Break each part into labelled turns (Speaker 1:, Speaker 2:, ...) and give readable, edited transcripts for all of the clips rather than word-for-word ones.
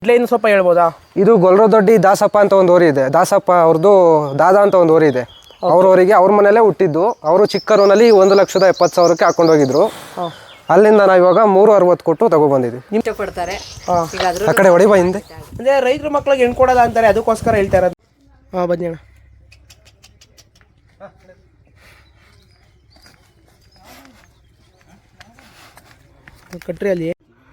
Speaker 1: ಏನು ಸ್ವಲ್ಪ ಹೇಳ್ಬೋದಾ?
Speaker 2: ಇದು ಗೊಲ್ರದೊಡ್ಡಿ ದಾಸಪ್ಪ ಅಂತ ಒಂದು ಊರು ಇದೆ. ದಾಸಪ್ಪ ಅವ್ರದ್ದು ದಾದಾ ಅಂತ ಒಂದು ಊರು ಇದೆ. ಅವ್ರವರಿಗೆ ಅವ್ರ ಮನೆಯಲ್ಲೇ ಹುಟ್ಟಿದ್ದು. ಅವರು ಚಿಕ್ಕ ರೋನಲ್ಲಿ 1,70,000ಕ್ಕೆ ಹಾಕೊಂಡು ಹೋಗಿದ್ರು. ಅಲ್ಲಿಂದ ನಾವು ಇವಾಗ 360 ಕೊಟ್ಟು ತಗೊಬಂದಿದ್ವಿ.
Speaker 3: ನಿಮ್ಗೆ ಕೊಡ್ತಾರೆ
Speaker 2: ಆ ಕಡೆ ಹೊಡಿಬಾ ಹಿಂದೆ.
Speaker 1: ಅಂದರೆ ರೈತರ ಮಕ್ಳಿಗೆ ಹೆಣ್ಣು ಕೊಡಲ್ಲ ಅಂತಾರೆ, ಅದಕ್ಕೋಸ್ಕರ ಹೇಳ್ತಾ ಇರೋದು. ಬನ್ನಿ ಅಣ್ಣ. ಕಟ್ರಿ ಅಲ್ಲಿ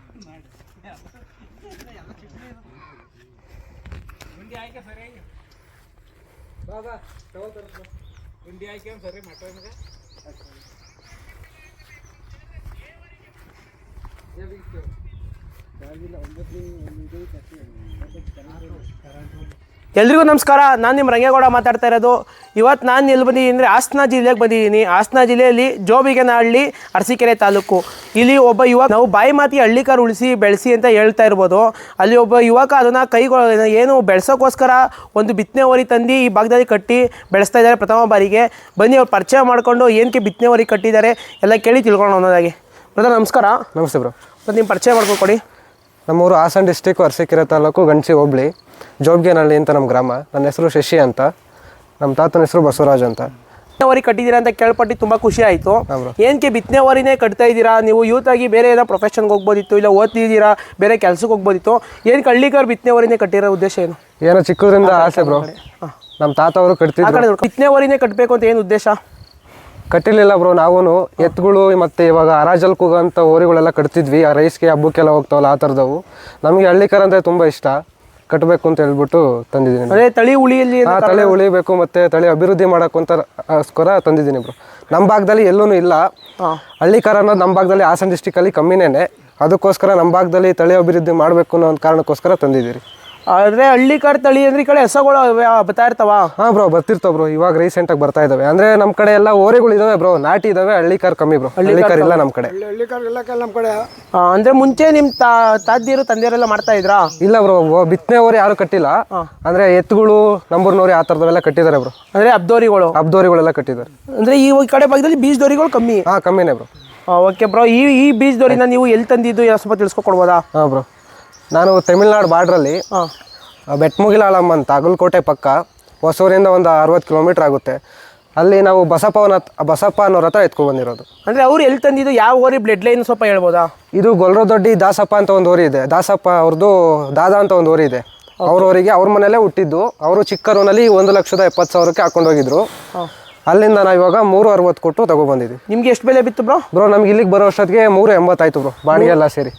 Speaker 1: ಎಲ್ರಿಗೂ ನಮಸ್ಕಾರ. ನಾನು ನಿಮ್ಮ ರಂಗೇಗೌಡ ಮಾತಾಡ್ತಾ ಇರೋದು. ಇವತ್ತು ನಾನು ಎಲ್ಲಿ ಬಂದಿದ್ದೀನಿ ಅಂದರೆ ಹಾಸನ ಜಿಲ್ಲೆಗೆ ಬಂದಿದ್ದೀನಿ. ಹಾಸನ ಜಿಲ್ಲೆಯಲ್ಲಿ ಜೋಬಿಗೇನಹಳ್ಳಿ ಅರಸೀಕೆರೆ ತಾಲೂಕು. ಇಲ್ಲಿ ಒಬ್ಬ ಯುವಕ, ನಾವು ಬಾಯಿ ಮಾತಿ ಹಳ್ಳಿಕಾರು ಉಳಿಸಿ ಬೆಳೆಸಿ ಅಂತ ಹೇಳ್ತಾ ಇರ್ಬೋದು. ಅಲ್ಲಿ ಒಬ್ಬ ಯುವಕ ಅದನ್ನು ಏನು ಬೆಳೆಸೋಕ್ಕೋಸ್ಕರ ಒಂದು ಬಿತ್ತನೆ ಹೊರಿ ತಂದು ಈ ಭಾಗದಲ್ಲಿ ಕಟ್ಟಿ ಬೆಳೆಸ್ತಾ ಇದ್ದಾರೆ ಪ್ರಥಮ ಬಾರಿಗೆ. ಬನ್ನಿ ಅವ್ರು ಪರಿಚಯ ಮಾಡಿಕೊಂಡು ಏನಕ್ಕೆ ಬಿತ್ತನೆ ಹೊರಿ ಕಟ್ಟಿದ್ದಾರೆ ಎಲ್ಲ ಕೇಳಿ ತಿಳ್ಕೊಂಡು ಅನ್ನೋದಾಗಿ. ಬ್ರದರ್ ನಮಸ್ಕಾರ.
Speaker 2: ನಮಸ್ತೆ ಬ್ರೋ.
Speaker 1: ಮತ್ತು ನಿಮ್ಮ ಪರಿಚಯ ಮಾಡ್ಕೊಡಿ.
Speaker 2: ನಮ್ಮೂರು ಹಾಸನ ಡಿಸ್ಟಿಕ್ ಅರಸೀಕೆರೆ ತಾಲೂಕು ಗಣಸಿ ಹೋಬಳಿ ಜೋಬ್ಗೇನಹಳ್ಳಿ ಅಂತ ನಮ್ಮ ಗ್ರಾಮ. ನನ್ನ ಹೆಸರು ಶಶಿ ಅಂತ, ನಮ್ಮ ತಾತನ ಹೆಸರು ಬಸವರಾಜ್ ಅಂತ.
Speaker 1: ಬಿತ್ತನೆ ಹೊರಿ ಕಟ್ಟಿದ್ದೀರಾ ಅಂತ ಕೇಳ್ಪಟ್ಟು ತುಂಬ ಖುಷಿ ಆಯಿತು. ಏನಕ್ಕೆ ಬಿತ್ತನೆ ಹೊರಿನೇ ಕಟ್ತಾ ಇದ್ದೀರಾ? ನೀವು ಯೂತ್ ಆಗಿ ಬೇರೆ ಏನೋ ಪ್ರೊಫೆಷನ್ಗೆ ಹೋಗ್ಬೋದಿತ್ತು, ಇಲ್ಲ ಓದ್ತಿದ್ದೀರಾ ಬೇರೆ ಕೆಲಸಕ್ಕೆ ಹೋಗ್ಬೋದಿತ್ತು. ಏನಕ್ಕೆ ಹಳ್ಳಿಕಾರು ಬಿತ್ತನೆ ಹೊರಿನೇ ಕಟ್ಟಿರೋ ಉದ್ದೇಶ ಏನು?
Speaker 2: ಏನೋ ಚಿಕ್ಕದ್ರಿಂದ ಆಸೆ ಬ್ರೋ. ನಮ್ಮ ತಾತ ಅವರು ಕಟ್ತಿದ್ರು.
Speaker 1: ಬಿತ್ತನೆ ಹೊರಿನೇ ಕಟ್ಟಬೇಕು ಅಂತ ಏನು ಉದ್ದೇಶ?
Speaker 2: ಕಟ್ಟಿರಲಿಲ್ಲ ಬ್ರೋ. ನಾವು ಎತ್ತುಗಳು ಮತ್ತು ಇವಾಗ ಹರಾಜಲ್ ಕೂಗಂಥ ಓರಿಗಳೆಲ್ಲ ಕಟ್ತಿದ್ವಿ. ಆ ರೈಸ್ಗೆ ಹಬ್ಬಕ್ಕೆಲ್ಲ ಹೋಗ್ತಾವಲ್ಲ, ಆ ಥರದವು. ನಮಗೆ ಹಳ್ಳಿಕಾರ ಅಂದರೆ ತುಂಬ ಇಷ್ಟ. ಕಟ್ಟಬೇಕು ಅಂತ ಹೇಳ್ಬಿಟ್ಟು ತಂದಿದ್ದೀನಿ.
Speaker 1: ಅದೇ ತಳಿ ಉಳಿಯಲ್ಲಿ
Speaker 2: ತಳಿ ಉಳಿಬೇಕು ಮತ್ತು ತಳಿ ಅಭಿವೃದ್ಧಿ ಮಾಡೋಕ್ಕೋಸ್ಕರ ತಂದಿದ್ದೀನಿ ಬ್ರೋ. ನಮ್ಮ ಭಾಗದಲ್ಲಿ ಎಲ್ಲೂ ಇಲ್ಲ ಹಳ್ಳಿಕಾರ ಅನ್ನೋದು. ನಮ್ಮ ಭಾಗದಲ್ಲಿ ಹಾಸನ ಡಿಸ್ಟಿಕಲ್ಲಿ ಕಮ್ಮಿನೇ. ಅದಕ್ಕೋಸ್ಕರ ನಮ್ಮ ಭಾಗದಲ್ಲಿ ತಳಿ ಅಭಿವೃದ್ಧಿ ಮಾಡಬೇಕು ಅನ್ನೋ ಒಂದು ಕಾರಣಕ್ಕೋಸ್ಕರ ತಂದಿದ್ದೀರಿ.
Speaker 1: ಆದರೆ ಹಳ್ಳಿಕಾರ್ ತಳಿ ಅಂದ್ರೆ ಈ ಕಡೆ ಹೆಸಗಳು ಬರ್ತಾ ಇರ್ತಾವ?
Speaker 2: ಹಾಂ ಬ್ರೋ, ಬರ್ತಿರ್ತಾವ ಬ್ರೋ. ಇವಾಗ ರೀಸೆಂಟಾಗಿ ಬರ್ತಾ ಇದ್ದಾವೆ. ಅಂದರೆ ನಮ್ಮ ಕಡೆ ಎಲ್ಲ ಓರಿಗಳು ಇದಾವೆ ಬ್ರೋ, ನಾಟಿ ಇದಾವೆ. ಹಳ್ಳಿಕಾರ್ ಕಮ್ಮಿ ಬ್ರೋ. ಹಳ್ಳಿಕಾರ್ ಇಲ್ಲ ನಮ್ಮ ಕಡೆ.
Speaker 1: ನಮ್ಮ ಕಡೆ ಅಂದರೆ ಮುಂಚೆ ನಿಮ್ಮ ತಾದ್ಯರು ತಂದೆಯರೆಲ್ಲ ಮಾಡ್ತಾ ಇದ್ರಾ?
Speaker 2: ಇಲ್ಲ ಬ್ರೋ, ಬಿತ್ತನೆ ಓರಿ ಯಾರು ಕಟ್ಟಿಲ್ಲ. ಅಂದರೆ ಎತ್ತುಗಳು, ನಂಬೂರ್ನೋರಿ ಆ ಥರದವೆಲ್ಲ ಕಟ್ಟಿದ್ದಾರೆ ಬ್ರೋ.
Speaker 1: ಅಂದರೆ ಅಬ್ದೋರಿಗಳೆಲ್ಲ
Speaker 2: ಕಟ್ಟಿದ್ದಾರೆ.
Speaker 1: ಅಂದರೆ ಈ ಕಡೆ ಭಾಗದಲ್ಲಿ ಬೀಜದೋರಿಗಳು ಕಮ್ಮಿ?
Speaker 2: ಹಾಂ, ಕಮ್ಮಿನೇ ಬ್ರೋ.
Speaker 1: Okay bro. ಈ ಬೀಜದೋರಿನ ನೀವು ಎಲ್ಲಿ ತಂದಿದ್ದು ಸ್ವಲ್ಪ ತಿಳಿಸ್ಕೊಡ್ಬೋದಾ?
Speaker 2: ಹಾಂ ಬ್ರೋ, ನಾನು ತಮಿಳ್ನಾಡು ಬಾರ್ಡ್ರಲ್ಲಿ ಬೆಟ್ಮುಗಿಲಾಳಮ್ಮ ಅಂತ ಅಗಲಕೋಟೆ ಪಕ್ಕ ಹೊಸೂರಿಂದ ಒಂದು 60 ಕಿಲೋಮೀಟ್ರ್ ಆಗುತ್ತೆ. ಅಲ್ಲಿ ನಾವು ಬಸಪ್ಪ ಅನ್ನೋರ ಹತ್ರ ಎತ್ಕೊಂಡು ಬಂದಿರೋದು.
Speaker 1: ಅಂದರೆ ಅವ್ರು ಎಲ್ಲಿ ತಂದಿದ್ದು? ಯಾವ ಊರಿ ಬ್ಲಡ್ ಲೈನ್ ಸ್ವಲ್ಪ ಹೇಳ್ಬೋದಾ?
Speaker 2: ಇದು ಗೊಲ್ರದೊಡ್ಡಿ ದಾಸಪ್ಪ ಅಂತ ಒಂದು ಊರು ಇದೆ. ದಾಸಪ್ಪ ಅವ್ರದ್ದು ದಾದಾ ಅಂತ ಒಂದು ಊರು ಇದೆ. ಅವ್ರವರಿಗೆ ಅವ್ರ ಮನೆಯಲ್ಲೇ ಹುಟ್ಟಿದ್ದು. ಅವರು ಚಿಕ್ಕ ರೋನಲ್ಲಿ 1,70,000ಕ್ಕೆ ಹಾಕೊಂಡು ಹೋಗಿದ್ರು. ಅಲ್ಲಿಂದ ನಾವು ಇವಾಗ 360 ಕೊಟ್ಟು ತಗೊಬಂದಿದ್ವಿ.
Speaker 1: ನಿಮ್ಗೆ ಎಷ್ಟು ಬೆಲೆ ಬಿತ್ತು ಬ್ರೋ?
Speaker 2: ಬ್ರೋ, ನಮ್ಗೆ ಇಲ್ಲಿಗೆ ಬರೋ ಅಷ್ಟೊತ್ತಿಗೆ 380 ಆಯ್ತು ಬ್ರೋ. ಬಾಡಿಗೆ ಎಲ್ಲ ಸೇರಿ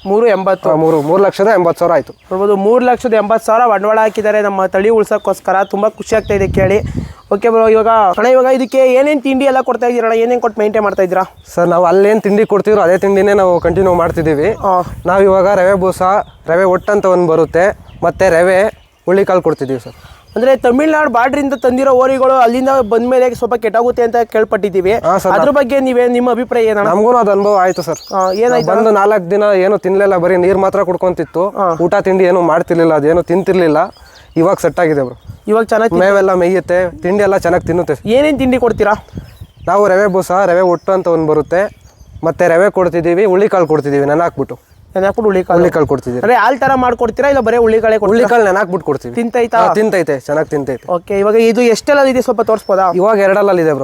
Speaker 2: 3,80,000 ಆಯ್ತು.
Speaker 1: ನೋಡ್ಬೋದು, 3,80,000 ಬಂಡವಾಳ ಹಾಕಿದ್ದಾರೆ ನಮ್ಮ ತಳಿ ಉಳ್ಸೋಕ್ಕೋಸ್ಕರ. ತುಂಬ ಖುಷಿ ಆಗ್ತಾ ಇದೆ ಕೇಳಿ. ಓಕೆ ಬ್ರೋ, ಇವಾಗ ಇದಕ್ಕೆ ಏನೇನು ತಿಂಡಿ ಎಲ್ಲ ಕೊಡ್ತಾ ಇದ್ದೀರಣ್ಣ? ಏನೇನು ಕೊಟ್ಟು ಮೇಂಟೈನ್ ಮಾಡ್ತಾ ಇದ್ದೀರಾ?
Speaker 2: ಸರ್, ನಾವು ಅಲ್ಲೇನು ತಿಂಡಿ ಕೊಡ್ತಿದ್ರು ಅದೇ ತಿಂಡಿನೇ ನಾವು ಕಂಟಿನ್ಯೂ ಮಾಡ್ತಿದ್ದೀವಿ. ನಾವು ಇವಾಗ ರವೆ ಬೂಸ, ರವೆ ಒಟ್ಟಂತ ಒಂದು ಬರುತ್ತೆ, ಮತ್ತು ರವೆ ಹುಳ್ಳಿಕಾಳು ಕೊಡ್ತಿದ್ದೀವಿ ಸರ್.
Speaker 1: ಅಂದರೆ ತಮಿಳ್ನಾಡು ಬಾರ್ಡ್ರಿಂದ ತಂದಿರೋ ಓರಿಗಳು ಅಲ್ಲಿಂದ ಬಂದ ಮೇಲೆ ಸ್ವಲ್ಪ ಕೆಟ್ಟಾಗುತ್ತೆ ಅಂತ ಕೇಳ್ಪಟ್ಟಿದ್ದೀವಿ. ಅದ್ರ ಬಗ್ಗೆ ನಿಮ್ಮ ಅಭಿಪ್ರಾಯ ಏನು?
Speaker 2: ನಮಗೂ ಅದು ಅನುಭವ ಆಯಿತು ಸರ್. ಏನಾಯ್ತು? ಬಂದು 4 ದಿನ ಏನು ತಿನ್ನಲಿಲ್ಲ, ಬರೀ ನೀರು ಮಾತ್ರ ಕುಡ್ಕೊಂತಿತ್ತು. ಊಟ ತಿಂಡಿ ಏನು ಮಾಡ್ತಿರ್ಲಿಲ್ಲ, ಅದೇನು ತಿಂತಿರ್ಲಿಲ್ಲ. ಇವಾಗ ಸೆಟ್ ಆಗಿದೆ ಬ್ರೋ. ಇವಾಗ ಚೆನ್ನಾಗಿ ಮೇವೆಲ್ಲ ಮೇಯುತ್ತೆ, ತಿಂಡಿ ಎಲ್ಲ ಚೆನ್ನಾಗಿ ತಿನ್ನುತ್ತೆ.
Speaker 1: ಏನೇನು ತಿಂಡಿ ಕೊಡ್ತೀರಾ?
Speaker 2: ನಾವು ರವೆ ಬೂಸ, ರವೆ ಒಟ್ಟು ಅಂತ ಒಂದು ಬರುತ್ತೆ, ಮತ್ತು ರವೆ ಕೊಡ್ತಿದ್ದೀವಿ, ಹುಳ್ಳಿಕಾಳು ಕೊಡ್ತಿದ್ದೀವಿ. ನೆನಾಕ್ಬಿಟ್ಟು ಹುಳ್ಳಿಕಾಳು ಕೊಡ್ತಿದ್ದೀವಿ.
Speaker 1: ಅಂದರೆ ಹಾಲು ಥರ ಮಾಡ್ಕೊಡ್ತೀರಾ ಇಲ್ಲ ಬರೀ
Speaker 2: ಹುಳ್ಳಿಕಾಳು ನೆನಾಕ್ಬಿಟ್ಟು ಕೊಡ್ತೀವಿ. ತಿಂತೈತೆ, ಚೆನ್ನಾಗಿ ತಿಂತೈತೆ.
Speaker 1: ಓಕೆ, ಇವಾಗ ಇದು ಎಷ್ಟೆಲ್ಲ ಇದೆ ಸ್ವಲ್ಪ ತೋರಿಸ್ಬೋದಾ?
Speaker 2: ಇವಾಗ 2 ಇದೆ ಬ್ರೋ.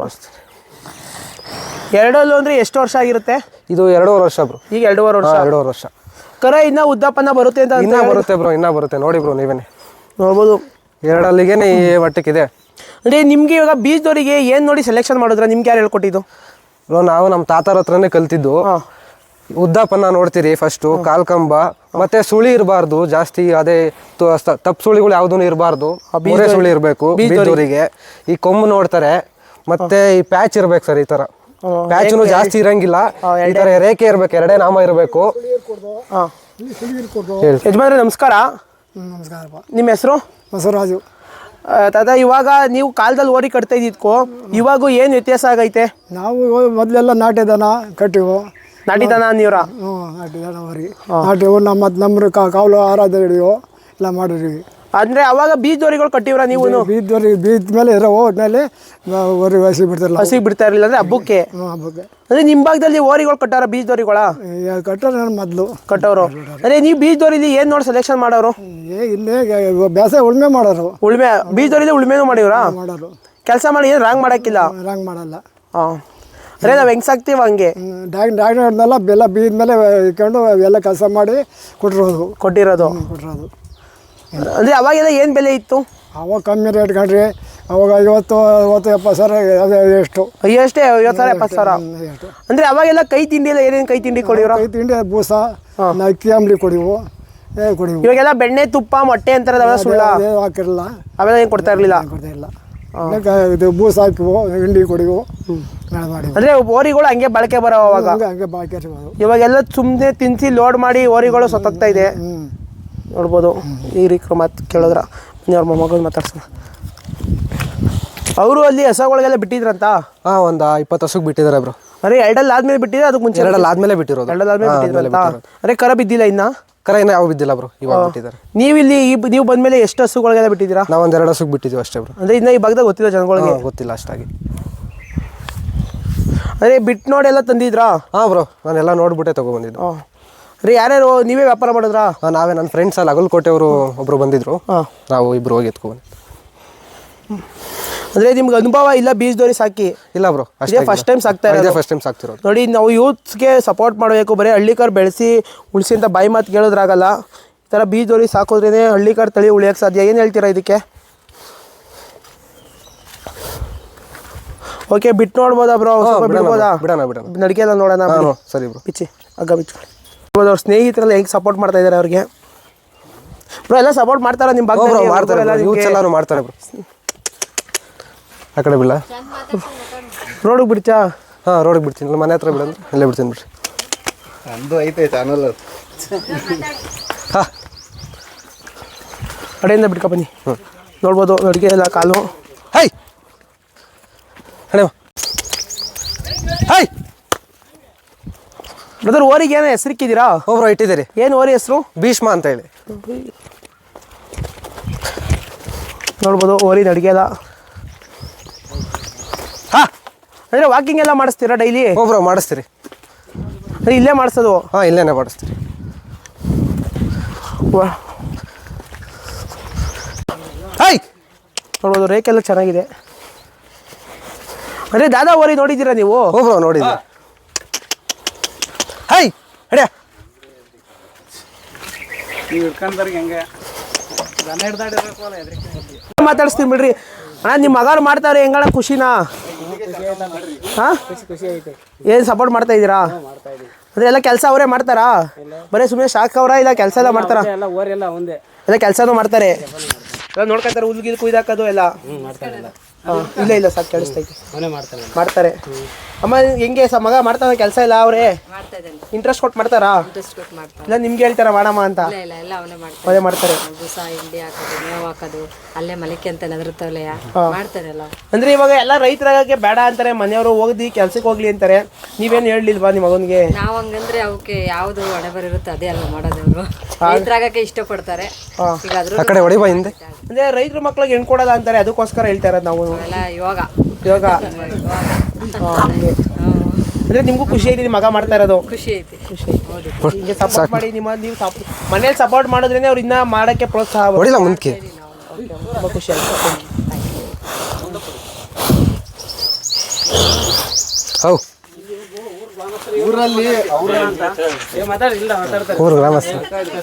Speaker 1: 2 ಅಂದರೆ ಎಷ್ಟು ವರ್ಷ ಆಗಿರುತ್ತೆ?
Speaker 2: ಇದು 2.5 ವರ್ಷ ಬ್ರೋ.
Speaker 1: ಈಗ 2.5 ವರ್ಷ. ಕರ ಇನ್ನೂ ಉದ್ದಪ್ಪನ ಬರುತ್ತೆ ಅಂತ?
Speaker 2: ಇನ್ನೂ ಬರುತ್ತೆ ಬ್ರೋ, ಇನ್ನೂ ಬರುತ್ತೆ. ನೋಡಿ ಬ್ರೋ, ನೀವೇನೆ
Speaker 1: ನೋಡ್ಬೋದು.
Speaker 2: 2 ಈ ಮಟ್ಟಕ್ಕಿದೆ.
Speaker 1: ಅಂದರೆ ನಿಮಗೆ ಇವಾಗ ಬೀಜದವರಿಗೆ ಏನು ನೋಡಿ ಸೆಲೆಕ್ಷನ್ ಮಾಡಿದ್ರೆ? ನಿಮ್ಗೆ ಯಾರು ಹೇಳ್ಕೊಟ್ಟಿದ್ದು
Speaker 2: ಬ್ರೋ? ನಾವು ನಮ್ಮ ತಾತರ ಹತ್ರನೇ ಕಲ್ತಿದ್ದು. ಉದ್ದಪ್ಪನ ನೋಡ್ತೀರಿ ಫಸ್ಟು, ಕಾಲ್ಕಂಬ, ಮತ್ತೆ ಸುಳಿ ಇರಬಾರ್ದು ಜಾಸ್ತಿ. ಅದೇ ತಪ್ಪು ಸುಳಿಗಳು ಯಾವುದೂ ಇರಬಾರ್ದು, ಮೂರೇ ಸುಳಿ ಇರಬೇಕು ಬೀಜದವರಿಗೆ. ಈ ಕೊಂಬು ನೋಡ್ತಾರೆ, ಮತ್ತೆ ಈ ಪ್ಯಾಚ್ ಇರ್ಬೇಕು ಸರ್. ಈ ಥರ ಪ್ಯಾಚ್ನು ಜಾಸ್ತಿ ಇರಂಗಿಲ್ಲ. ಈ ಥರ ರೇಖೆ ಇರಬೇಕು, 2 ನಾಮ ಇರಬೇಕು.
Speaker 1: ಯಜಮಾನ್ರೆ ನಮಸ್ಕಾರ. ನಿಮ್ಮ ಹೆಸರು?
Speaker 4: ಬಸವರಾಜು.
Speaker 1: ತಾತ, ಇವಾಗ ನೀವು ಕಾಲದಲ್ಲಿ ಓರಿ ಕಟ್ತಾ ಇದ್ದಿದ್ಕೋ ಇವಾಗ ಏನು ವ್ಯತ್ಯಾಸ ಆಗೈತೆ?
Speaker 4: ನಾವು ಮೊದಲೆಲ್ಲ ನಾಟಿ ದನ ಕಟ್ಟಿವು.
Speaker 1: ನಾಟಿ ದನ ನೀವ್ರ?
Speaker 4: ನಾಟಿ ದನ ಹೊರಿ ನಾಟಿವು. ನಮ್ಮ ಕಾವಲು ಆರಾಧ ಹಿಡಿಯೋ ಎಲ್ಲ ಮಾಡಿದ್ವಿ.
Speaker 1: ಅಂದ್ರೆ ಅವಾಗ ಬೀಜದೋರಿಗಳು ಕಟ್ಟಿವ್ರ ನೀವು?
Speaker 4: ಬೀದ ಮೇಲೆ ಇರೋ ಹೋದ್ಮೇಲೆ ಹೊರಗೆ ಹಸಿ ಬಿಡ್ತಾರಲ್ಲ,
Speaker 1: ಹಸಿಗೆ ಬಿಡ್ತಾ ಇರಲಿಲ್ಲ ಅಂದ್ರೆ ಹಬ್ಬಕ್ಕೆ?
Speaker 4: ಹಬ್ಬಕ್ಕೆ.
Speaker 1: ಅಂದ್ರೆ ನಿಮ್ಮ ಭಾಗದಲ್ಲಿ ಓರಿಗಳು ಕಟ್ಟಾರ ಬೀಜದೋರಿಗಳ?
Speaker 4: ಕಟ್ಟೋರು ನಾನು ಮೊದಲು
Speaker 1: ಕಟ್ಟೋರು. ಅಂದ್ರೆ ನೀವು ಬೀಜದೋರಿಲಿ ಏನು ನೋಡಿ ಸೆಲೆಕ್ಷನ್ ಮಾಡೋರು?
Speaker 4: ಇಲ್ಲೇ ಬೇಸಾಯ ಉಳುಮೆ ಮಾಡೋರು.
Speaker 1: ಉಳುಮೆ ಬೀಜದೋರಿಲಿ ಉಳುಮೆನೂ ಮಾಡಿವ್ರಾ?
Speaker 4: ಮಾಡೋರು.
Speaker 1: ಕೆಲಸ ಮಾಡಿ ಏನು ರಾಂಗ್ ಮಾಡೋಕ್ಕಿಲ್ಲ?
Speaker 4: ರಾಂಗ್ ಮಾಡಲ್ಲ.
Speaker 1: ಹಾಂ, ಅರೆ ನಾವು ಹೆಂಗೆ ಸಾಕ್ತೀವಿ ಹಂಗೆ.
Speaker 4: ಡಾಕ್ಟರ್ನೆಲ್ಲ ಬೆಲ್ಲ ಬೀದ ಮೇಲೆ ಇಟ್ಕೊಂಡು ಎಲ್ಲ ಕೆಲಸ ಮಾಡಿ ಕೊಟ್ಟಿರೋದು.
Speaker 1: ಕೊಟ್ಟಿರೋದು. ಅಂದರೆ ಅವಾಗೆಲ್ಲ ಏನು ಬೆಲೆ ಇತ್ತು?
Speaker 4: ಅವಾಗ ಕಮ್ಮಿ ರೇಟ್ ಕಂಡ್ರಿ. ಅವಾಗ 50-70 ಸಾವಿರ ಅದೇ ಎಷ್ಟು.
Speaker 1: ಅಷ್ಟೇ 50,000-70,000. ಅಂದರೆ ಅವಾಗೆಲ್ಲ ಕೈ ತಿಂಡಿ ಎಲ್ಲ ಏನೇನು ಕೈ ತಿಂಡಿ ಕೊಡಿವ್ರ?
Speaker 4: ಕೈ ತಿಂಡಿ ಬೂಸ, ಅಕ್ಕಿ ಅಂಬ್ಲಿ ಕೊಡಿವು.
Speaker 1: ಇವಾಗೆಲ್ಲ ಬೆಣ್ಣೆ ತುಪ್ಪ ಮೊಟ್ಟೆ ಅಂತಾರೆ, ಅವೆಲ್ಲ ಸುಳ್ಳ?
Speaker 4: ಹಾಕಿರಲ್ಲ,
Speaker 1: ಅವೆಲ್ಲ ಏನು ಕೊಡ್ತಾ ಇರಲಿಲ್ಲ.
Speaker 4: ಇದು ಬೂಸ ಹಾಕಿವು, ಹಿಂಡಿ ಕೊಡಿವು ಮಾಡಿ.
Speaker 1: ಅಂದರೆ ಓರಿಗಳು ಹಂಗೆ ಬಳಕೆ ಬರೋ ಅವಾಗ?
Speaker 4: ಹಂಗೆ ಬಾಕಿ.
Speaker 1: ಇವಾಗೆಲ್ಲ ಸುಮ್ಮನೆ ತಿನ್ಸಿ ಲೋಡ್ ಮಾಡಿ ಓರಿಗಳು ಸತ್ತೋಗ್ತಾ ಇದೆ ನೋಡ್ಬೋದು. ಈ ರೀತಿ ಮಾತು ಕೇಳಿದ್ರ ಅವ್ರ ಮೊಮ್ಮಗಳು ಮಾತಾಡ್ಸೋಣ. ಅವರು ಅಲ್ಲಿ ಹಸಗಳಿಗೆಲ್ಲ ಬಿಟ್ಟಿದ್ರಂತ?
Speaker 2: ಹಾಂ, ಒಂದು 20 ಹಸುಗೆ ಬಿಟ್ಟಿದ್ದಾರೆ ಬ್ರೋ.
Speaker 1: ಅರೆ ಎರಡಲ್ಲಿ ಆದ್ಮೇಲೆ ಬಿಟ್ಟಿದ್ರೆ ಅದಕ್ಕೆ ಮುಂಚೆ?
Speaker 2: ಎರಡಲ್ಲಿ ಆದ್ಮೇಲೆ ಬಿಟ್ಟಿರೋದು.
Speaker 1: ಎರಡಲ್ಲಿ ಆದ್ಮೇಲೆ ಬಿಟ್ಟಿದ್ರಂತ? ಅರೆ ಕರ ಬಿದ್ದಿಲ್ಲ ಇನ್ನ?
Speaker 2: ಕರ ಇನ್ನೂ ಯಾವ ಬಿದ್ದಿಲ್ಲ ಬ್ರೋ, ಇವಾಗ ಬಿಟ್ಟಿದ್ದಾರೆ.
Speaker 1: ನೀವಿಲ್ಲಿ ನೀವು ಬಂದ್ಮೇಲೆ ಎಷ್ಟು ಹಸುಗಳಿಗೆಲ್ಲ ಬಿಟ್ಟಿದ್ದೀರಾ?
Speaker 2: ನಾವು ಒಂದು 2 ಹಸುಗೆ ಬಿಟ್ಟಿದ್ದೀವಿ ಅಷ್ಟೇ ಬ್ರೋ.
Speaker 1: ಅಂದರೆ ಇನ್ನು ಈ ಭಾಗದಾಗ ಗೊತ್ತಿಲ್ಲ ಜನಗಳಿಗೆ?
Speaker 2: ಗೊತ್ತಿಲ್ಲ ಅಷ್ಟಾಗಿ.
Speaker 1: ಅರೆ ಬಿಟ್ಟು ನೋಡಿ ಎಲ್ಲ ತಂದಿದ್ರಾ?
Speaker 2: ಹಾಂ ಬ್ರೋ, ನಾನೆಲ್ಲ ನೋಡ್ಬಿಟ್ಟೆ ತೊಗೊಬಂದಿದ್ದು.
Speaker 1: ಹಾಂ. ಅರೆ ಯಾರ್ಯಾರು ನೀವೇ ವ್ಯಾಪಾರ ಮಾಡಿದ್ರಾ?
Speaker 2: ನಾವೇ, ನನ್ನ ಫ್ರೆಂಡ್ಸ್ ಅಲ್ಲಿ ಅಗಲಕೋಟೆಯವರು ಒಬ್ಬರು ಬಂದಿದ್ರು. ನಾವು ಇಬ್ಬರು ಹೋಗಿ ಎತ್ಕೊಬಂದು.
Speaker 1: ಅಂದರೆ ನಿಮ್ಗೆ ಅನುಭವ ಇಲ್ಲ ಬೀಜದೋರಿ ಸಾಕಿ?
Speaker 2: ಇಲ್ಲ ಬ್ರೋ,
Speaker 1: ಅಷ್ಟೇ ಫಸ್ಟ್ ಟೈಮ್ ಸಾಕ್ತಾ ಇರೋದು?
Speaker 2: ಫಸ್ಟ್ ಟೈಮ್ ಸಾಕ್ತಿರೋದು.
Speaker 1: ನೋಡಿ, ನಾವು ಯೂತ್ಸ್ಗೆ ಸಪೋರ್ಟ್ ಮಾಡಬೇಕು. ಬರೀ ಹಳ್ಳಿಕಾರ್ ಬೆಳೆಸಿ ಉಳಿಸಿ ಅಂತ ಬಾಯಿ ಮಾತು ಕೇಳೋದ್ರಾಗಲ್ಲ. ಈ ಥರ ಬೀಜದೋರಿ ಸಾಕೋದ್ರೇ ಹಳ್ಳಿಕಾರ್ ತಳಿ ಉಳಿಯೋಕ್ಕೆ ಸಾಧ್ಯ. ಏನು ಹೇಳ್ತೀರಾ ಇದಕ್ಕೆ? ಓಕೆ, ಬಿಟ್ಟು ನೋಡ್ಬೋದಾ ಬ್ರೋ? ಬಿಡ್ಬೋದಾ?
Speaker 2: ಬಿಡೋಣ
Speaker 1: ನಡಿಗೆ ಎಲ್ಲ ನೋಡೋಣ.
Speaker 2: ಸರಿ ಬ್ರೋ,
Speaker 1: ಬಿಚ್ಚಿ ಹಗ್ಗ ಬಿಚ್ಕೊಳ್ಳಿ. ಅವ್ರ ಸ್ನೇಹಿತರೆಲ್ಲ ಹೆಂಗೆ ಸಪೋರ್ಟ್ ಮಾಡ್ತಾ ಇದ್ದಾರೆ ಅವ್ರಿಗೆ? ಬ್ರೋ ಎಲ್ಲ ಸಪೋರ್ಟ್ ಮಾಡ್ತಾರ ನಿಮ್ಮ ಭಾಗ?
Speaker 2: ಮಾಡ್ತಾರೆ, ಯೂತ್ಸ್ ಎಲ್ಲರೂ ಮಾಡ್ತಾರೆ ಬ್ರೋ. ಆ ಕಡೆ ಬಿಡಲ್ಲ,
Speaker 1: ರೋಡಿಗೆ ಬಿಡ್ತಾ?
Speaker 2: ಹಾಂ, ರೋಡಿಗೆ ಬಿಡ್ತೀನಿ. ಮನೆ ಹತ್ರ ಬಿಡಂದ್ರೆ ಇಲ್ಲೇ ಬಿಡ್ತೀನಿ ಬಿಡ್ರಿ.
Speaker 3: ನಂದು ಐತೆ ಚಾನಲ್.
Speaker 2: ಹಾಂ,
Speaker 1: ಕಡೆಯಿಂದ ಬಿಡ್ಕೊ ಬನ್ನಿ. ನೋಡ್ಬೋದು ಅಡುಗೆ ಎಲ್ಲ ಕಾಲು.
Speaker 2: ಹೈ ಹಣೆ ಹೈ
Speaker 1: ಬ್ರದರ್, ಓರಿಗೆ ಏನೋ ಹೆಸರಿಕ್ಕಿದ್ದೀರಾ?
Speaker 2: ಒಬ್ರು ಇಟ್ಟಿದ್ದೀರಿ.
Speaker 1: ಏನು ಓರಿ ಹೆಸರು?
Speaker 2: ಭೀಷ್ಮ ಅಂತ ಹೇಳಿ.
Speaker 1: ನೋಡ್ಬೋದು ಓರಿನ ಅಡುಗೆ ಎಲ್ಲ.
Speaker 2: ಹಾಂ,
Speaker 1: ಅಂದರೆ ವಾಕಿಂಗ್ ಎಲ್ಲ ಮಾಡಿಸ್ತೀರಾ ಡೈಲಿ?
Speaker 2: ಒಬ್ರು ಮಾಡಿಸ್ತೀರಿ.
Speaker 1: ಇಲ್ಲೇ ಮಾಡಿಸೋದು?
Speaker 2: ಹಾಂ, ಇಲ್ಲೇನೆ ಮಾಡಿಸ್ತೀರಿ. ಹೈ
Speaker 1: ನೋಡ್ಬೋದು ರೇಖೆಲ್ಲ ಚೆನ್ನಾಗಿದೆ. ಅಂದರೆ ದಾದಾ ಓರಿ ನೋಡಿದ್ದೀರಾ ನೀವು?
Speaker 2: ಒಬ್ರು ನೋಡಿದ್ದೆ. ಹೈ ಹಡ್ಯಾ
Speaker 1: ಮಾತಾಡಿಸ್ತೀನಿ ಬಿಡ್ರಿ. ಅಣ್ಣ ನಿಮ್ಮ ಮಗಾರು ಮಾಡ್ತಾವ್ರೆ, ಹೆಂಗಣ ಖುಷಿನಾ? ಹಾಂ, ಏನು ಸಪೋರ್ಟ್ ಮಾಡ್ತಾ ಇದ್ದೀರಾ? ಅಂದರೆ ಎಲ್ಲ ಕೆಲಸ ಅವರೇ ಮಾಡ್ತಾರಾ? ಬರೀ ಸುಮ್ಮನೆ ಶಾಕ್ ಅವರ ಇಲ್ಲ ಕೆಲಸ ಎಲ್ಲ ಮಾಡ್ತಾರಾ? ಎಲ್ಲ ಕೆಲಸನೂ ಮಾಡ್ತಾರೆ, ಎಲ್ಲ ನೋಡ್ಕೊತಾರೆ. ಹುಲ್ಗಿಲ್ ಕುಯ್ದಾಕೋದು ಎಲ್ಲ? ಇಲ್ಲ ಇಲ್ಲ ಸಾಕು ಕೇಳಿಸ್ತೈತೆ. ಮಾಡ್ತಾರೆ. ಅಮ್ಮ ಹೆಂಗೆ ಮಗ ಮಾಡ್ತಾನೆ ಕೆಲಸ ಎಲ್ಲ? ಅವರೇ ಇಂಟ್ರೆಸ್ಟ್ ಕೊಟ್ಟು ಮಾಡ್ತಾರಾ? ಇಲ್ಲ ನಿಮ್ಗೆ ಹೇಳ್ತಾರ ಮಾಡಮ್ಮ ಅಂತ? ಅವರೇ ಮಾಡ್ತಾರೆ. ಅಂದ್ರೆ ಇವಾಗ ಎಲ್ಲ ರೈತರಾಗಕ್ಕೆ ಬೇಡ ಅಂತಾರೆ, ಮನೆಯವರು ಹೋಗಿ ಕೆಲ್ಸಕ್ಕೆ ಹೋಗ್ಲಿ ಅಂತಾರೆ. ನೀವೇನು ಹೇಳಲಿಲ್ವಾ ನಿಮ್ಮ ಮಗನಿಗೆ?
Speaker 5: ನಾವು ಹಂಗಂದ್ರೆ ಅವಕ್ಕೆ ಯಾವ್ದು ಹಣೆ ಬರುತ್ತೆ ಅದೇ ಅಲ್ಲ ಮಾಡೋದು. ಅವರು ರೈತರಾಗಕ್ಕೆ ಇಷ್ಟಪಡ್ತಾರೆ.
Speaker 2: ಆ ಕಡೆ ಹೊಡಿ ಬಾ ಹಿಂದೆ.
Speaker 1: ಅಂದ್ರೆ ರೈತರ ಮಕ್ಳಿಗೆ ಹೆಣ್ ಕೊಡಲ್ಲ ಅಂತಾರೆ, ಅದಕ್ಕೋಸ್ಕರ ಹೇಳ್ತಾ ಇರೋದು ನಾವು.
Speaker 5: ಇವಾಗ
Speaker 1: ಅಂದ್ರೆ ನಿಮ್ಗೂ ಖುಷಿ ಐತಿ ಮಗ ಮಾಡ್ತಾ ಇರೋದು?
Speaker 5: ಖುಷಿ ಐತಿ.
Speaker 1: ಹಿಂಗೆ ಸಪೋರ್ಟ್ ಮಾಡಿ ನೀವು ಮನೇಲಿ ಸಪೋರ್ಟ್ ಮಾಡಿದ್ರೇನೆ ಅವ್ರು ಇನ್ನ ಮಾಡಕ್ಕೆ ಪ್ರೋತ್ಸಾಹ.
Speaker 2: ಹೊಡಿಲ್ಲ ಮುಂದಕ್ಕೆ.
Speaker 1: ತುಂಬ ಖುಷಿ ಆಯ್ತು.
Speaker 2: ಹೌ
Speaker 3: ಊರಲ್ಲಿ
Speaker 2: ಊರು ಗ್ರಾಮಸ್ಥರು.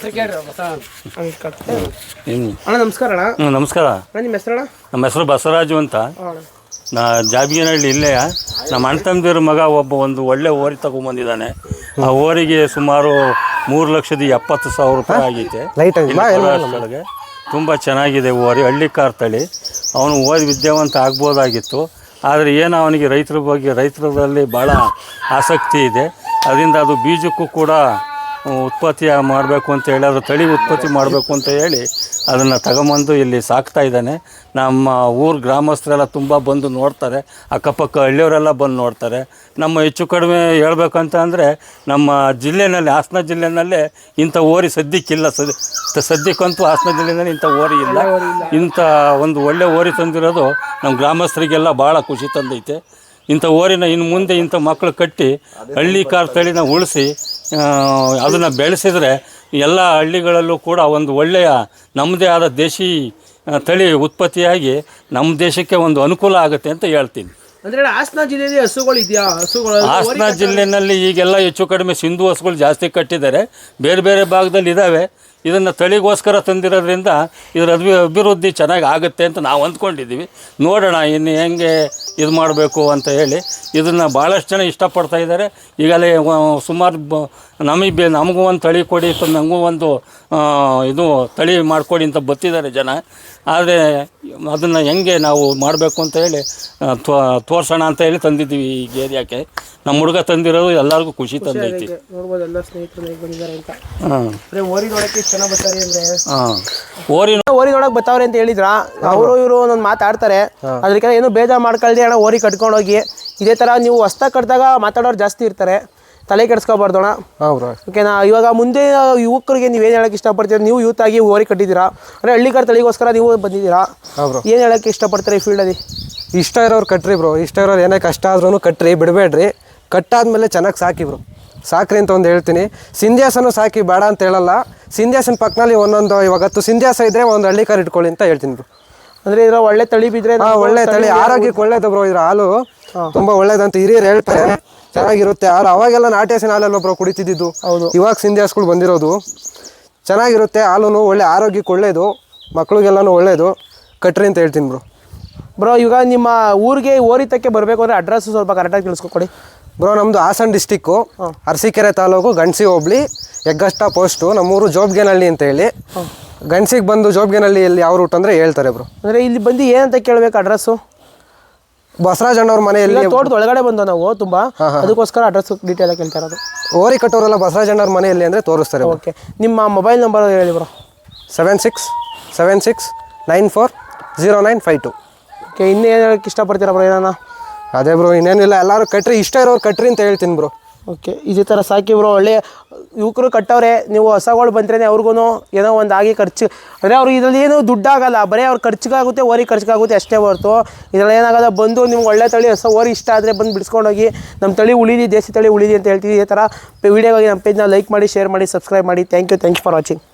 Speaker 1: ಅಣ್ಣ ನಮಸ್ಕಾರ. ಅಣ್ಣ
Speaker 6: ನಮಸ್ಕಾರ.
Speaker 1: ನಿಮ್ಮ ಹೆಸರಣ್ಣ?
Speaker 6: ನಮ್ಮ ಹೆಸರು ಬಸವರಾಜು ಅಂತ. ನಾ ಜಾಬಿಗೆನಹಳ್ಳಿ ಇಲ್ಲೇ. ನಮ್ಮ ಅಣ್ಣ ತಮ್ಮದಿರ ಮಗ ಒಂದು ಒಳ್ಳೆ ಓರಿ ತಗೊಂಬಂದಿದ್ದಾನೆ. ಆ ಓರಿಗೆ ಸುಮಾರು 3,70,000 ರೂಪಾಯಿ ಆಗೈತೆ. ಒಳಗೆ ತುಂಬ ಚೆನ್ನಾಗಿದೆ ಓರಿ, ಹಳ್ಳಿಕಾರ್ ತಳಿ. ಅವನು ಓದಿ ವಿದ್ಯಾವಂತ ಆಗ್ಬೋದಾಗಿತ್ತು, ಆದರೆ ಏನು ಅವನಿಗೆ ರೈತರಲ್ಲಿ ಭಾಳ ಆಸಕ್ತಿ ಇದೆ. ಅದರಿಂದ ಅದು ಬೀಜಕ್ಕೂ ಕೂಡ ಉತ್ಪತ್ತಿ ಮಾಡಬೇಕು ಅಂತ ಹೇಳಿ ಅದು ತಳಿ ಉತ್ಪತ್ತಿ ಮಾಡಬೇಕು ಅಂತ ಹೇಳಿ ಅದನ್ನು ತಗೊಂಬಂದು ಇಲ್ಲಿ ಸಾಕ್ತಾ ಇದ್ದಾನೆ. ನಮ್ಮ ಊರು ಗ್ರಾಮಸ್ಥರೆಲ್ಲ ತುಂಬ ಬಂದು ನೋಡ್ತಾರೆ, ಅಕ್ಕಪಕ್ಕ ಹಳ್ಳಿಯವರೆಲ್ಲ ಬಂದು ನೋಡ್ತಾರೆ. ನಮ್ಮ ಹೆಚ್ಚು ಕಡಿಮೆ ಹೇಳ್ಬೇಕಂತ ಅಂದರೆ ನಮ್ಮ ಜಿಲ್ಲೆಯಲ್ಲಿ, ಹಾಸನ ಜಿಲ್ಲೆಯಲ್ಲೇ ಇಂಥ ಓರಿ ಸದ್ಯಕ್ಕಿಲ್ಲ. ಸದ್ಯಕ್ಕಂತೂ ಹಾಸನ ಜಿಲ್ಲೆಯಲ್ಲಿ ಇಂಥ ಓರಿ ಇಲ್ಲ. ಇಂಥ ಒಂದು ಒಳ್ಳೆ ಓರಿ ತಂದಿರೋದು ನಮ್ಮ ಗ್ರಾಮಸ್ಥರಿಗೆಲ್ಲ ಭಾಳ ಖುಷಿ ತಂದೈತೆ. ಇಂಥ ಓರಿನ ಇನ್ನು ಮುಂದೆ ಇಂಥ ಮಕ್ಕಳು ಕಟ್ಟಿ ಹಳ್ಳಿ ಕಾರ್ ತಳಿನ ಉಳಿಸಿ ಅದನ್ನು ಬೆಳೆಸಿದರೆ ಎಲ್ಲ ಹಳ್ಳಿಗಳಲ್ಲೂ ಕೂಡ ಒಂದು ಒಳ್ಳೆಯ ನಮ್ಮದೇ ಆದ ದೇಶಿ ತಳಿ ಉತ್ಪತ್ತಿಯಾಗಿ ನಮ್ಮ ದೇಶಕ್ಕೆ ಒಂದು ಅನುಕೂಲ ಆಗುತ್ತೆ ಅಂತ ಹೇಳ್ತೀನಿ.
Speaker 1: ಅಂದ್ರೆ ಹಾಸನ ಜಿಲ್ಲೆಯಲ್ಲಿ ಹಸುಗಳು ಇದೆಯಾ?
Speaker 6: ಹಾಸನ ಜಿಲ್ಲೆಯಲ್ಲಿ ಈಗೆಲ್ಲ ಹೆಚ್ಚು ಕಡಿಮೆ ಸಿಂಧು ಹಸುಗಳು ಜಾಸ್ತಿ ಕಟ್ಟಿದ್ದಾರೆ. ಬೇರೆ ಬೇರೆ ಭಾಗದಲ್ಲಿ ಇದ್ದಾವೆ. ಇದನ್ನು ತಳಿಗೋಸ್ಕರ ತಂದಿರೋದ್ರಿಂದ ಇದರ ಅಭಿವೃದ್ಧಿ ಚೆನ್ನಾಗಿ ಆಗುತ್ತೆ ಅಂತ ನಾವು ಅಂದ್ಕೊಂಡಿದ್ದೀವಿ. ನೋಡೋಣ ಇನ್ನು ಹೆಂಗೆ ಇದು ಮಾಡಬೇಕು ಅಂತ ಹೇಳಿ. ಇದನ್ನು ಭಾಳಷ್ಟು ಜನ ಇಷ್ಟಪಡ್ತಾ ಇದ್ದಾರೆ. ಈಗಲೇ ಸುಮಾರು ನಮಗೂ ಒಂದು ತಳಿ ಕೊಡಿ, ನನಗೂ ಒಂದು ಇದು ತಳಿ ಮಾಡಿಕೊಡಿ ಅಂತ ಬರ್ತಿದ್ದಾರೆ ಜನ. ಆದರೆ ಅದನ್ನು ಹೆಂಗೆ ನಾವು ಮಾಡಬೇಕು ಅಂತ ಹೇಳಿ ತೋರಿಸೋಣ ಅಂತ ಹೇಳಿ ತಂದಿದ್ದೀವಿ ಈ ಏರಿಯಾಕ್ಕೆ. ನಮ್ಮ ಹುಡುಗ ತಂದಿರೋದು ಎಲ್ಲರಿಗೂ ಖುಷಿ ತಂದೈತಿ.
Speaker 1: ನೋಡ್ಬೋದು ಎಲ್ಲ ಸ್ನೇಹಿತರು ಹೇಗೆ ಬಂದಿದ್ದಾರೆ ಅಂತ.
Speaker 6: ಹಾಂ,
Speaker 1: ಓರಿ ನೋಡಕ್ಕೆ ಇಷ್ಟು ಜನ ಬರ್ತಾರೆ ಅಂದ್ರೆ
Speaker 6: ಹಾಂ, ಓರಿ
Speaker 1: ನೋಡಕ್ ಬರ್ತಾವ್ರೆ ಅಂತ ಹೇಳಿದ್ರ. ಅವರು ಇವರು ಒಂದೊಂದು ಮಾತಾಡ್ತಾರೆ. ಅದಕ್ಕೆ ಏನು ಬೇಜಾರು ಮಾಡ್ಕೊಳ್ದೆ ಅಣ್ಣ ಓರಿ ಕಟ್ಕೊಂಡು ಹೋಗಿ. ಇದೇ ಥರ ನೀವು ಹೊಸ್ದಾಗಿ ಕಟ್ಟಿದಾಗ ಮಾತಾಡೋರು ಜಾಸ್ತಿ ಇರ್ತಾರೆ, ತಲೆ ಕೆಡಿಸ್ಕೊಬಾರ್ದೋಣ. ಓಕೆನಾ? ಇವಾಗ ಮುಂದೆ ಯುವಕರಿಗೆ ನೀವೇನು ಹೇಳಕ್ಕೆ ಇಷ್ಟಪಡ್ತೀರಾ? ನೀವು ಯೂತ್ ಆಗಿ ಓರಿ ಕಟ್ಟಿದ್ದೀರಾ ಅಂದರೆ ಹಳ್ಳಿಗಾರ ತಳಿಗೋಸ್ಕರ ನೀವು ಬಂದಿದ್ದೀರಾ. ಏನು ಹೇಳಕ್ಕೆ ಇಷ್ಟಪಡ್ತಾರೆ ಈ ಫೀಲ್ಡಲ್ಲಿ?
Speaker 2: ಇಷ್ಟ ಇರೋರು ಕಟ್ರಿ ಬ್ರೋ. ಇಷ್ಟ ಇರೋರು ಏನೇ ಕಷ್ಟ ಆದ್ರೂ ಕಟ್ರಿ, ಬಿಡಬೇಡ್ರಿ. ಕಟ್ಟಾದ್ಮೇಲೆ ಚೆನ್ನಾಗಿ ಸಾಕಿ ಬ್ರೋ, ಸಾಕ್ರಿ ಅಂತ ಒಂದು ಹೇಳ್ತೀನಿ. ಸಿಂಧ್ಯಾಸನೂ ಸಾಕಿ, ಬೇಡ ಅಂತ ಹೇಳಲ್ಲ. ಸಿಂಧ್ಯಾಸನ ಪಕ್ಕದಲ್ಲಿ ಒಂದೊಂದು ಇವಾಗತ್ತು ಸಿಂಧ್ಯಾಸ ಇದ್ರೆ ಒಂದು ಹಳ್ಳಿ ಕಾರ್ ಇಟ್ಕೊಳ್ಳಿ ಅಂತ ಹೇಳ್ತೀನಿ ಬ್ರೋ.
Speaker 1: ಅಂದರೆ ಇದರ ಒಳ್ಳೆ ತಳಿ ಬಿದ್ದರೆ
Speaker 2: ಒಳ್ಳೆ ತಳಿ, ಆರೋಗ್ಯಕ್ಕೆ ಒಳ್ಳೇದು ಬ್ರೋ. ಇದ್ರ ಹಾಲು ತುಂಬ ಒಳ್ಳೇದಂತ ಹಿರಿಯರು ಹೇಳ್ತಾರೆ. ಚೆನ್ನಾಗಿರುತ್ತೆ ಹಾಲು. ಅವಾಗೆಲ್ಲ ನಾಟಿ ಹಸಿನ ಹಾಲೆಲ್ಲ ಬ್ರೋ ಕುಡಿತಿದ್ದು. ಇವಾಗ ಸಿಂಧ್ಯಾಸ್ಗಳು ಬಂದಿರೋದು ಚೆನ್ನಾಗಿರುತ್ತೆ. ಹಾಲು ಒಳ್ಳೆ ಆರೋಗ್ಯಕ್ಕೆ ಒಳ್ಳೇದು, ಮಕ್ಳಿಗೆಲ್ಲನೂ ಒಳ್ಳೇದು. ಕಟ್ರಿ ಅಂತ ಹೇಳ್ತೀನಿ ಬ್ರೋ.
Speaker 1: ಬ್ರೋ ಈಗ ನಿಮ್ಮ ಊರಿಗೆ ಓರಿತಕ್ಕೆ ಬರಬೇಕು ಅಂದರೆ ಅಡ್ರೆಸ್ಸು ಸ್ವಲ್ಪ ಕರೆಕ್ಟಾಗಿ ತಿಳಿಸ್ಕೊಡಿ
Speaker 2: ಬ್ರೋ. ನಮ್ಮದು ಹಾಸನ ಡಿಸ್ಟಿಕ್ಕು, ಅರಸೀಕೆರೆ ತಾಲೂಕು, ಗಣಸಿ ಹೋಬಳಿ, ಹೆಗ್ಗಷ್ಟ ಪೋಸ್ಟು. ನಮ್ಮೂರು ಜೋಬ್ಗೇನಹಳ್ಳಿ ಅಂತ ಹೇಳಿ. ಗಣಸಿಗೆ ಬಂದು ಜೋಬ್ಗೇನಹಳ್ಳಿಯಲ್ಲಿ ಯಾವ ರೂಟ್ ಅಂದರೆ ಹೇಳ್ತಾರೆ ಬ್ರೋ.
Speaker 1: ಅಂದರೆ ಇಲ್ಲಿ ಬಂದು ಏನಂತ ಕೇಳಬೇಕು ಅಡ್ರೆಸ್ಸು?
Speaker 2: ಬಸವರಾಜ್ ಅಣ್ಣವ್ರ ಮನೆಯಲ್ಲಿ.
Speaker 1: ತೋಟದ ಒಳಗಡೆ ಬಂದು ನಾವು ತುಂಬ ಅದಕ್ಕೋಸ್ಕರ ಅಡ್ರೆಸ್ ಡೀಟೇಲ್ ಆಗಿ ಕೇಳ್ತಾ ಇರೋದು.
Speaker 2: ಓರಿ ಕಟ್ಟೋರೆಲ್ಲ ಬಸವರಾಜ್ ಅಣ್ಣವ್ರ ಮನೆಯಲ್ಲಿ ಅಂದರೆ ತೋರಿಸ್ತಾರೆ.
Speaker 1: ಓಕೆ, ನಿಮ್ಮ ಮೊಬೈಲ್ ನಂಬರ್ ಹೇಳಿ ಬ್ರೋ.
Speaker 2: 7676940952.
Speaker 1: ಓಕೆ, ಇನ್ನೂ ಏನು ಹೇಳಕ್ಕೆ ಇಷ್ಟಪಡ್ತೀರಾ ಬ್ರೋ? ಏನಾನ?
Speaker 2: ಅದೇ ಬ್ರೋ, ಇನ್ನೇನಿಲ್ಲ. ಎಲ್ಲರೂ ಕಟ್ರಿ, ಇಷ್ಟ ಇರೋರು ಕಟ್ರಿ ಅಂತ ಹೇಳ್ತೀನಿ ಬ್ರೋ.
Speaker 1: ಓಕೆ, ಇದೇ ಥರ ಸಾಕಿ ಬ್ರೋ. ಒಳ್ಳೆ ಯುವಕರು ಕಟ್ಟವ್ರೆ. ನೀವು ಹೊಸಗಳು ಬಂದ್ರೇ ಅವ್ರಿಗೂ ಏನೋ ಒಂದು ಆಗಿ ಖರ್ಚು ಅಂದರೆ ಅವ್ರಿಗೆ ಇದರಲ್ಲಿ ಏನು ದುಡ್ಡಾಗಲ್ಲ, ಬರೀ ಅವ್ರ ಖರ್ಚಿಗಾಗುತ್ತೆ, ಓರಿ ಖರ್ಚಿಗಾಗುತ್ತೆ ಅಷ್ಟೇ ಹೊರತು ಇದರಲ್ಲಿ ಏನಾಗಲ್ಲ. ಬಂದು ನಿಮ್ಗೆ ಒಳ್ಳೆ ತಳಿ ಹೊಸ ಓರಿ ಇಷ್ಟ ಆದರೆ ಬಂದು ಬಿಡಿಸ್ಕೊಂಡೋಗಿ ನಮ್ಮ ತಳಿ ಉಳಿಲಿ, ದೇಸಿ ತಳಿ ಉಳಿಲಿ ಅಂತ ಹೇಳ್ತೀವಿ. ಇದೇ ಥರ ವೀಡಿಯೋಗಾಗಿ ನಮ್ಮ ಪೇಜ್ನ ಲೈಕ್ ಮಾಡಿ, ಶೇರ್ ಮಾಡಿ, ಸಬ್ಸ್ಕ್ರೈಬ್ ಮಾಡಿ. Thank you for watching.